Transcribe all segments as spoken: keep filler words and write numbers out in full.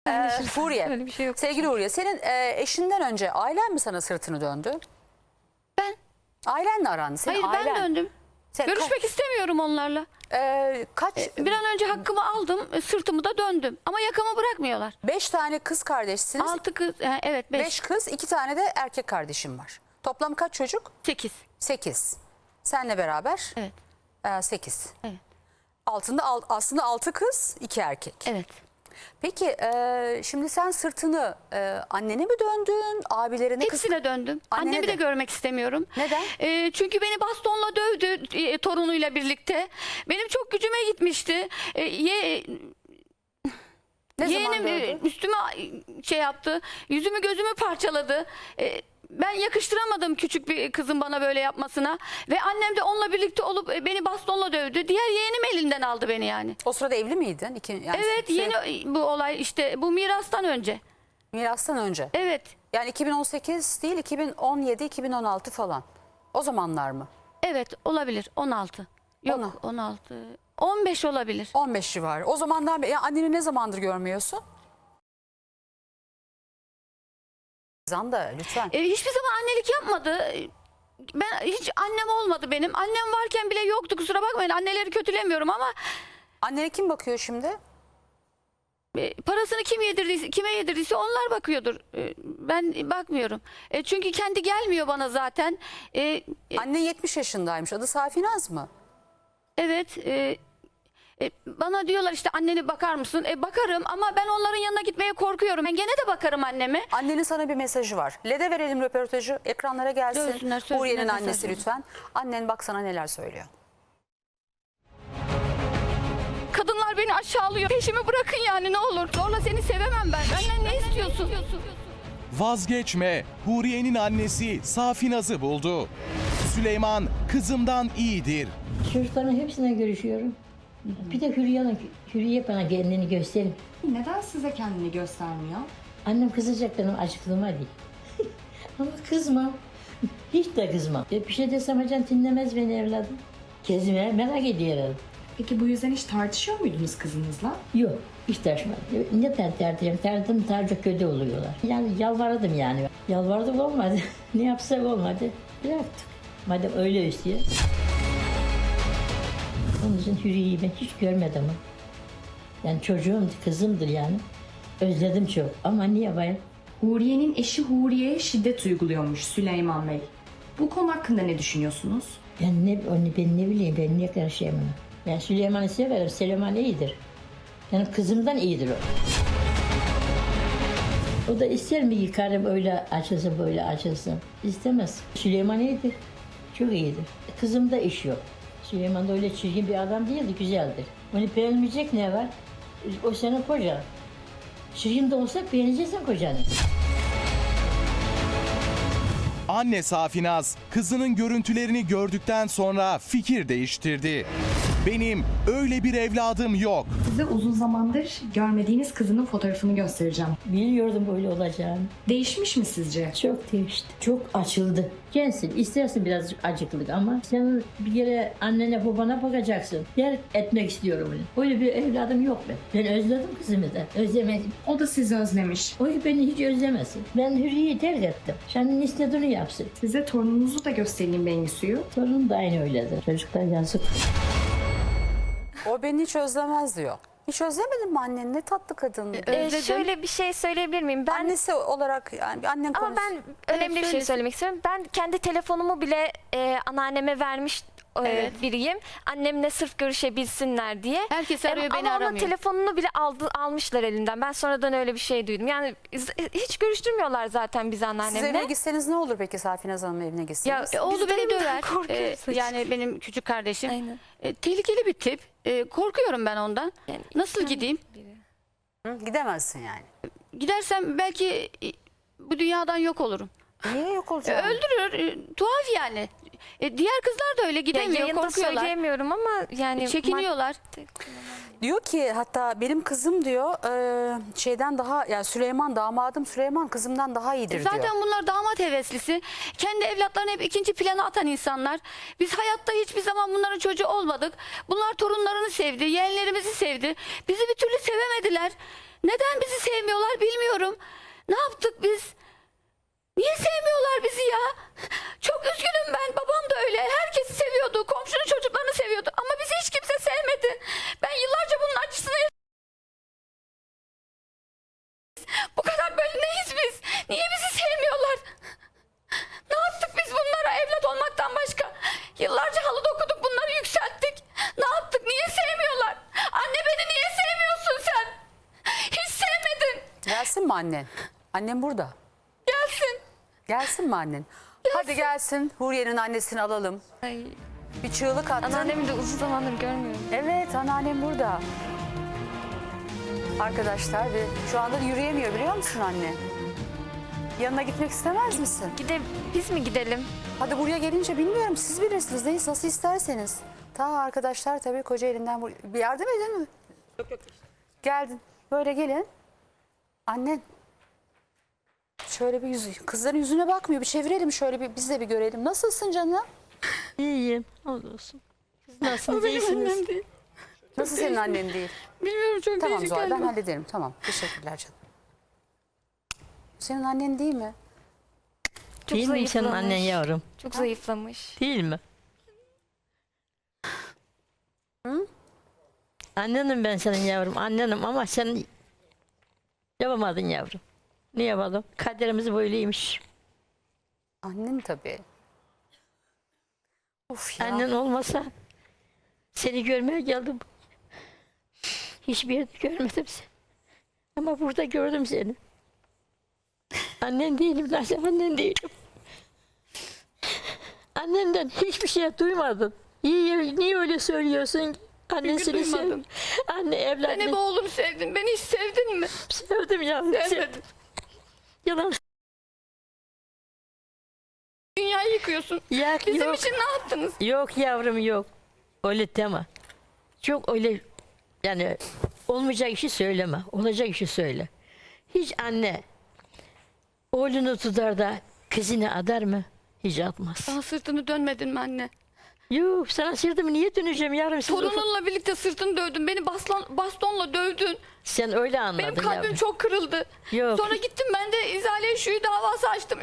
Ee, Huriye, Öyle bir şey yok. sevgili Huriye, senin e, eşinden önce ailen mi sana sırtını döndü? Ben. Ailenle aran. Senin Hayır ailen. ben döndüm. Sen Görüşmek istemiyorum onlarla. ka- e, kaç? Bir an önce hakkımı aldım, e, sırtımı da döndüm. Ama yakamı bırakmıyorlar. Beş tane kız kardeşsiniz. Altı kız, e, evet beş. Beş kız, iki tane de erkek kardeşim var. Toplam kaç çocuk? Sekiz. Sekiz. Senle beraber Evet. e, sekiz. Evet. Altında al- aslında altı kız, iki erkek. Evet. Peki e, şimdi sen sırtını e, annene mi döndün, abilerine, kız? Hepsine döndüm. Annene Annemi de. de görmek istemiyorum. Neden? E, çünkü beni bastonla dövdü e, torunuyla birlikte. Benim çok gücüme gitmişti. E, ye, Ne zaman yeğenim e, dövdü? üstüme şey yaptı. Yüzümü gözümü parçaladı. E, ben yakıştıramadım küçük bir kızın bana böyle yapmasına. Ve annem de onunla birlikte olup e, beni bastonla dövdü. Diğer yeğenim elinden aldı beni yani. O sırada evli miydin? İki, yani Evet, sü- yeni bu olay işte bu mirastan önce. Mirastan önce. Evet. Yani iki bin on sekiz değil, iki bin on yedi iki bin on altı falan. O zamanlar mı? Evet olabilir on altı. Yok Ona. on altı. on beş olabilir. on beş civarı. O zamandan beri ya anneni ne zamandır görmüyorsun? Zanda lütfen. E, hiçbir zaman annelik yapmadı. Ben hiç annem olmadı benim. Annem varken bile yoktu, kusura bakmayın. Anneleri kötülemiyorum ama Annene kim bakıyor şimdi? e, parasını kim yedirdiyse, kime yedirdiyse onlar bakıyordur. E, ben bakmıyorum. E, çünkü kendi gelmiyor bana zaten. E, e, Annen yetmiş yaşındaymış. Adı Safinaz mı? evet. E, e, bana diyorlar işte annene bakar mısın? E, bakarım ama ben onların yanına gitmeye korkuyorum. Ben gene de bakarım anneme. Annenin sana bir mesajı var. Lede verelim röportajı. Ekranlara gelsin. Dövsünler, sövsünler, Huriye'nin mesaj annesi verin. lütfen. Annen bak sana neler söylüyor. Kadınlar beni aşağılıyor. Peşimi bırakın yani ne olur. Zorla seni sevemem ben. Benden ne istiyorsun? Vazgeçme, Huriye'nin annesi Safinaz'ı buldu. Süleyman kızımdan iyidir. Çocukların hepsine görüşüyorum. Bir de Hürriye, Hürriye bana kendini gösterin. Neden size kendini göstermiyor? Annem kızacak benim acıklığıma değil. Ama kızmam. Hiç de kızmam. E, bir şey desem hocam dinlemez beni evladım. Kezime merak ediyorum. Peki bu yüzden hiç tartışıyor muydunuz kızınızla? Yok, hiç tartışmadım. Ne ter tertiyem, terdim tercih kötü oluyorlar. Yani yalvardım yani. Yalvardım olmadı. Ne yapsak olmadı. Bıraktık. Madem öyle istiyor. Onun için Hürriye'yi ben hiç görmedim. Yani çocuğum, kızımdır yani. Özledim çok ama niye bayım? Huriye'nin eşi Huriye'ye şiddet uyguluyormuş Süleyman Bey. Bu konu hakkında ne düşünüyorsunuz? Ben ne, onu ben ne bileyim, ben niye karışayım ona? Ben Süleyman'ı severim, Süleyman iyidir. Yani kızımdan iyidir o. O da ister mi ki karım öyle açılsın, böyle açılsın? İstemez. Süleyman iyidir, çok iyidir. Kızımda iş yok. Süleyman da öyle çirkin bir adam değildi, güzeldir. Onu beğenmeyecek ne var? O senin kocan. Çirkin de olsa beğeneceksin kocanı. Anne Safinaz kızının görüntülerini gördükten sonra fikir değiştirdi. Benim öyle bir evladım yok. Size uzun zamandır görmediğiniz kızının fotoğrafını göstereceğim. Biliyordum böyle olacağını. Değişmiş mi sizce? Çok değişti. Çok açıldı. Gençsin, istersin birazcık acıklık ama sen bir kere annene babana bakacaksın. Yer etmek istiyorum onu. Öyle bir evladım yok ben. Ben özledim kızımı da. Özlemedim. O da sizi özlemiş. O beni hiç özlemesin. Ben Hürriye'yi terk ettim. Senin istediğini yapsın. Size torununuzu da göstereyim Bengisu'yu. Torun da aynı öyledir. Çocuklar yazık. O beni hiç özlemez diyor. Hiç özlemedin mi annen? Ne tatlı kadın. Ee, Özledim. şöyle bir şey söyleyebilir miyim? Ben Annesi olarak yani annen ama konuş. ben önemli bir şey söylesin. söylemek istiyorum. Ben kendi telefonumu bile e, anneanneme vermiş e, Evet. biriyim. Annemle sırf görüşebilsinler diye. Em, Herkes arıyor, beni ama onun aramıyor. telefonunu bile aldı, almışlar elinden. Ben sonradan öyle bir şey duydum. Yani z- hiç görüştürmüyorlar zaten bizi Siz evine anneannemle. gitseniz ne olur peki Safinaz Hanım'ın evine Ya gitseniz? e, oğlu Biz beni de döver. korkuyoruz E, hiç. yani benim küçük kardeşim. Aynen. E, tehlikeli bir tip. E, korkuyorum ben ondan. Yani Nasıl insan gideyim? biri. Hı, gidemezsin yani. Gidersem belki e, bu dünyadan yok olurum. Niye yok E, olacak? öldürür. E, tuhaf yani. E, diğer kızlar da öyle Ya gidemiyor, yayında korkuyorlar. söyleyemiyorum ama yani Çekiniyorlar. madde kullanan- Diyor ki hatta benim kızım diyor e, şeyden daha yani Süleyman damadım Süleyman kızımdan daha iyidir Zaten diyor. bunlar damat heveslisi. Kendi evlatlarını hep ikinci plana atan insanlar. Biz hayatta hiçbir zaman bunların çocuğu olmadık. Bunlar torunlarını sevdi, yeğenlerimizi sevdi. Bizi bir türlü sevemediler. Neden bizi sevmiyorlar bilmiyorum. Ne yaptık biz? Niye sevmiyorlar bizi ya? Çok üzgünüm ben. Babam da öyle. Herkesi seviyordu. Komşunun çocuklarını seviyordu. Ama bizi hiç kimse sevmedi. Ben yıllarca bunun acısını yaşadım. Bu kadar böyle neyiz biz? Niye bizi sevmiyorlar? Ne yaptık biz bunlara evlat olmaktan başka? Yıllarca halı dokuduk, bunları yükselttik. Ne yaptık? Niye sevmiyorlar? Anne beni niye sevmiyorsun sen? Hiç sevmedin. Gelsin mi annen? Annem burada. Gelsin. Gelsin mi annen? Hadi gelsin. Huriye'nin annesini alalım. Ay, Bir çığlık attın. anneannemi de uzun zamandır görmüyorum. Evet, anneannem burada. Arkadaşlar ve şu anda yürüyemiyor biliyor musun anne? Yanına gitmek istemez misin? Gide, biz mi gidelim? Hadi buraya gelince bilmiyorum siz bilirsiniz neyiz nasıl isterseniz. Ta arkadaşlar tabii koca elinden vur- bir yardım edin mi? Yok yok. Geldin. Böyle gelin. Annen. Şöyle bir yüzü, kızların yüzüne bakmıyor. Bir çevirelim şöyle bir biz de bir görelim. Nasılsın canım? İyiyim. Olsun. Siz nasılsınız? Benim İyisiniz. annem değil. Nasıl senin annen değil? Bilmiyorum, çok Tamam değişik Zuhal ben galiba. hallederim. Tamam teşekkürler canım. Senin annen değil mi? Çok Değil mi senin zayıflamış. annen yavrum? Çok zayıflamış. Değil mi? Annenim ben senin yavrum. Annenim ama sen yapamadın yavrum. Ne yapalım? Kaderimiz böyleymiş. Annen tabii. Of ya. Annen olmasa seni görmeye geldim. Hiçbir yerde görmedim seni. Ama burada gördüm seni. Annen değilim lan sen annen değilim. Annenden hiçbir şey duymadın. Niye, niye öyle söylüyorsun? Annen Çünkü seni sev. duymadım. Anne Ben hep evladını oğlumu sevdim. Beni hiç sevdin mi? sevdim ya. Sevmedim. Yalan. Dünyayı yıkıyorsun. Ya, Bizim yok. için ne yaptınız? Yok yavrum yok. Öyle deme. Çok öyle yani olmayacak işi söyleme. Olacak işi söyle. Hiç anne oğlunu tutar da kızını adar mı? Hiç atmaz. Daha sırtını dönmedin mi anne? Yok sana sırtımı niye döneceğim yavrum? Siz Torununla birlikte sırtını dövdün. Beni baston, bastonla dövdün. sen öyle anladın Benim kalbim yavrum. çok kırıldı. Yok. Sonra gittim ben de İzale Şuyu davası açtım.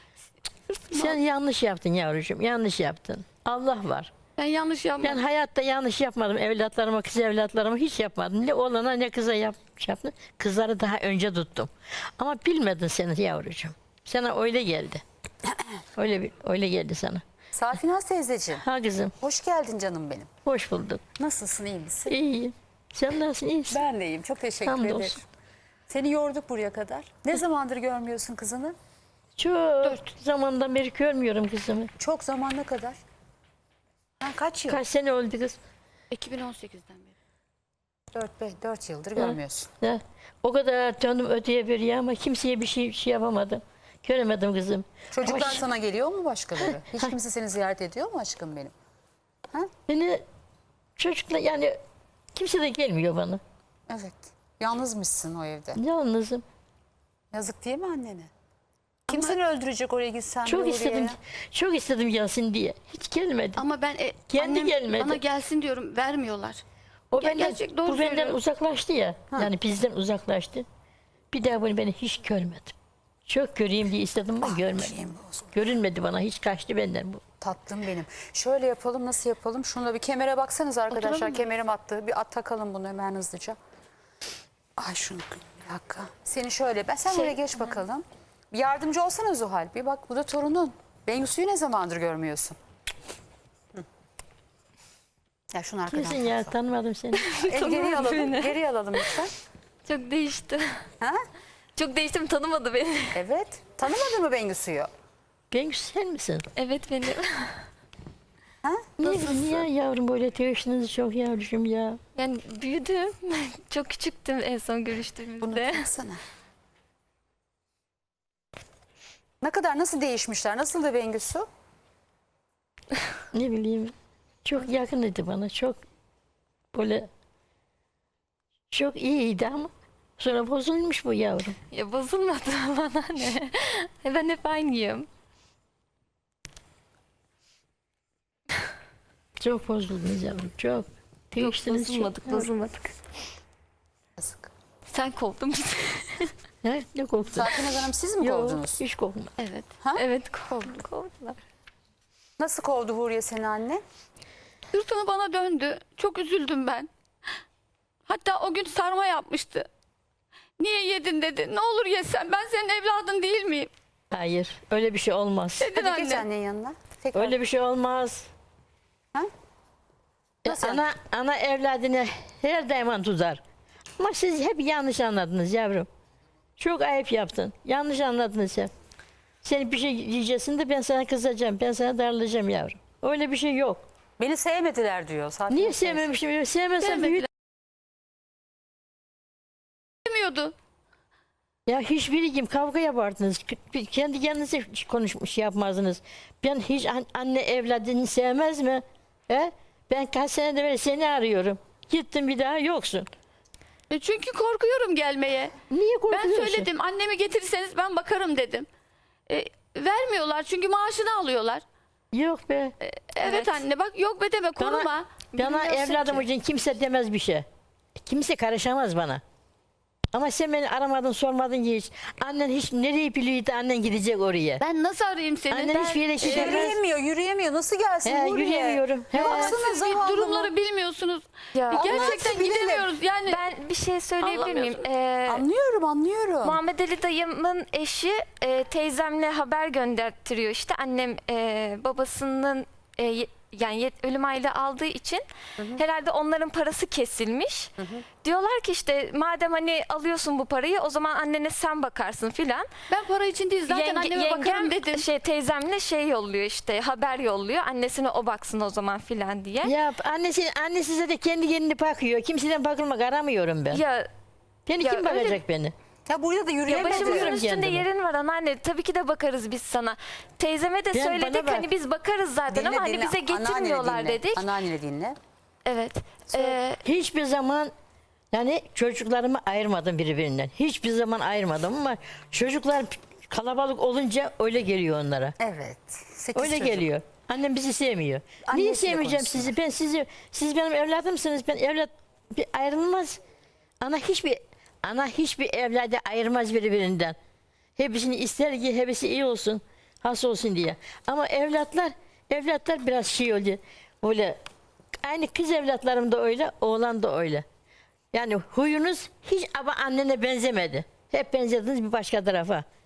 Sen yanlış yaptın yavrucuğum. Yanlış yaptın. Allah var. Ben yanlış yapmadım. Ben hayatta yanlış yapmadım. Evlatlarıma, kız evlatlarıma hiç yapmadım. Ne oğlana ne kıza yap, yaptım. Kızları daha önce tuttum. Ama bilmedin seni yavrucuğum. Sana öyle geldi. Öyle bir, öyle geldi sana. Safinaz teyzeciğim. Ha kızım, Hoş geldin canım benim. hoş bulduk. Nasılsın iyi misin? İyiyim. Sen nasılsın, iyisin? Ben de iyiyim. Çok teşekkür Hamdolsun. ederim. Seni yorduk buraya kadar. Ne zamandır görmüyorsun kızını? Çok zamandan beri görmüyorum kızımı. Çok zamana kadar. Ha, kaç yıl? Kaç sene oldu kız? iki bin on sekizden beri. Dört, beş, dört yıldır görmüyorsun. Ya, o kadar döndüm öteye beriye ama kimseye bir şey, şey yapamadım. Göremedim kızım. Çocuklar Ama sana geliyor mu başkaları? Hiç kimse seni ziyaret ediyor mu aşkım benim? beni çocukla yani kimse de gelmiyor bana. Evet. Yalnızmışsın o evde. Yalnızım. Yazık değil mi annene? Kim seni öldürecek oraya gitsen de Çok oraya? istedim. Çok istedim gelsin diye. Hiç gelmedi. Ama ben e, Kendi annem gelmedi. bana gelsin diyorum, vermiyorlar. o Ger- benden, gerçek, doğru bu benden söylüyor. uzaklaştı ya. Yani bizden uzaklaştı. Bir daha bunu beni hiç görmedim. Çok göreyim diye istedim ama görmedim. Şeyim bozuldu. Görünmedi bana. Hiç kaçtı benden bu. Tatlım benim. Şöyle yapalım, nasıl yapalım? Şuna bir kemere baksanız arkadaşlar. Oturalım mı? Kemerim attı. Bir at takalım bunu hemen hızlıca. Ay şunu bir dakika. Seni şöyle, ben sen Şey- oraya geç bakalım. Bir yardımcı olsana Zuhal. Bir bak bu da torunun. Bengüsü'yü ne zamandır görmüyorsun? Hı. Ya şunu arkadan. Kimsin ya? Tanımadım seni. El geriye alalım. Geriye alalım lütfen. Çok değişti. Ha? Çok değiştim, tanımadı beni. Evet. Tanımadın mı Bengüsü'yü? Bengüs sen misin? Evet benim. Ha? Niye, niye yavrum böyle teşhiniz çok yavrucuğum ya? Yani büyüdüm. Çok küçüktüm en son Bunu görüştüğümüzde. taksana. Ne kadar nasıl değişmişler? Nasıldı Bengüsü? Ne bileyim. Çok yakındı bana. Çok böyle Çok iyiydi ama sonra bozulmuş bu yavrum. Ya bozulmadı bana ne? Ben hep aynıyım. Çok bozuldunuz yavrum, çok. Yok Değiştiniz çok. bozulmadık, bozulmadık. Yazık. Sen kovdun bizi. Ne, ne korktun? Safinaz Hanım siz mi Yok, kovdunuz? hiç korkma. Evet. Ha? Evet kovdu, kovdular. Nasıl kovdu Huriye seni anne? Sırtını bana döndü. Çok üzüldüm ben. Hatta o gün sarma yapmıştı. Niye yedin dedi. Ne olur yesen, ben senin evladın değil miyim? Hayır, öyle bir şey olmaz. Dedin Hadi geç anne. annenin yanına. Tekrar. Öyle bir şey olmaz. Ha? Ya Nasıl ana, ana evladını her daim tutar. Ama siz hep yanlış anladınız yavrum. Çok ayıp yaptın. Yanlış anladınız sen. Sen bir şey yiyeceksin de ben sana kızacağım. Ben sana darlayacağım yavrum. Öyle bir şey yok. Beni sevmediler diyor. Safinaz Niye teyze. sevmemişim? Sevmesem büyük. Demiyordu. Ya hiçbiri kim kavga yapardınız. K- Kendi kendinize konuşmuş yapmazdınız. Ben hiç an- anne evladını sevmez mi? He? Ben kaç senede beri seni arıyorum. Gittim bir daha yoksun. E çünkü korkuyorum gelmeye. Niye Ben korkuyorsun? söyledim, annemi getirirseniz ben bakarım dedim. E, vermiyorlar çünkü maaşını alıyorlar. Yok be. Evet, Evet. anne bak, yok be deme, koruma. Bana, bana Bilmiyorsun evladım ki. için kimse demez bir şey. Kimse karışamaz bana. Ama sen beni aramadın, sormadın ki hiç. Annen hiç nereye biliyordu annen gidecek oraya. Ben nasıl arayayım seni? Annen Ben- hiçbir yere gidemez. Yürüyemiyor, yürüyemiyor. Nasıl gelsin He, Huriye? yürüyemiyorum. He. Baksana Siz bir zavallı durumları mı? bilmiyorsunuz. Ya, Gerçekten bilelim. gidemiyoruz yani. Ben bir şey söyleyebilir miyim? Anlamıyorsun. Ee, Anlıyorum, anlıyorum. Muhammed Ali dayımın eşi e, teyzemle haber gönderttiriyor. İşte annem e, babasının e, ye- yani yet- ölüm aylığı aldığı için herhalde onların parası kesilmiş. Diyorlar ki işte madem hani alıyorsun bu parayı o zaman annene sen bakarsın filan. Ben para için değil, zaten Yenge- anneme bakarım dedim. şey teyzemle şey yolluyor işte haber yolluyor. Annesine o baksın o zaman filan diye. Ya annesi, annesi zaten kendi kendine bakıyor. Kimseden bakılmak aramıyorum ben. Ya, Beni ya kim öyle- bakacak beni? Ya burada da ya yürüyemedi. başımızın Bakıyorum üstünde kendime. yerin var anneanne. Tabii ki de bakarız biz sana. Teyzeme de Ben- söyledik bana bak. hani biz bakarız zaten ama hani bize getirmiyorlar Anneanneni dinle, dedik. Anneanneni dinle. Evet. Ee, Hiçbir zaman yani çocuklarımı ayırmadım birbirinden. Hiçbir zaman ayırmadım ama çocuklar kalabalık olunca öyle geliyor onlara. Evet. Sekiz Öyle çocuk. geliyor. Annem bizi sevmiyor. Annesiyle Niye sevmeyeceğim konuşsunlar. sizi? Ben sizi, siz benim evladımsınız. Ben evlat bir ayrılmaz. Ana hiçbir ana hiçbir evladı ayırmaz birbirinden. Hepsini ister ki hepsi iyi olsun, has olsun diye. Ama evlatlar, evlatlar biraz şey oluyor. Böyle aynı kız evlatlarım da öyle, oğlan da öyle. Yani huyunuz hiç ama annene benzemedi. Hep benzediniz bir başka tarafa.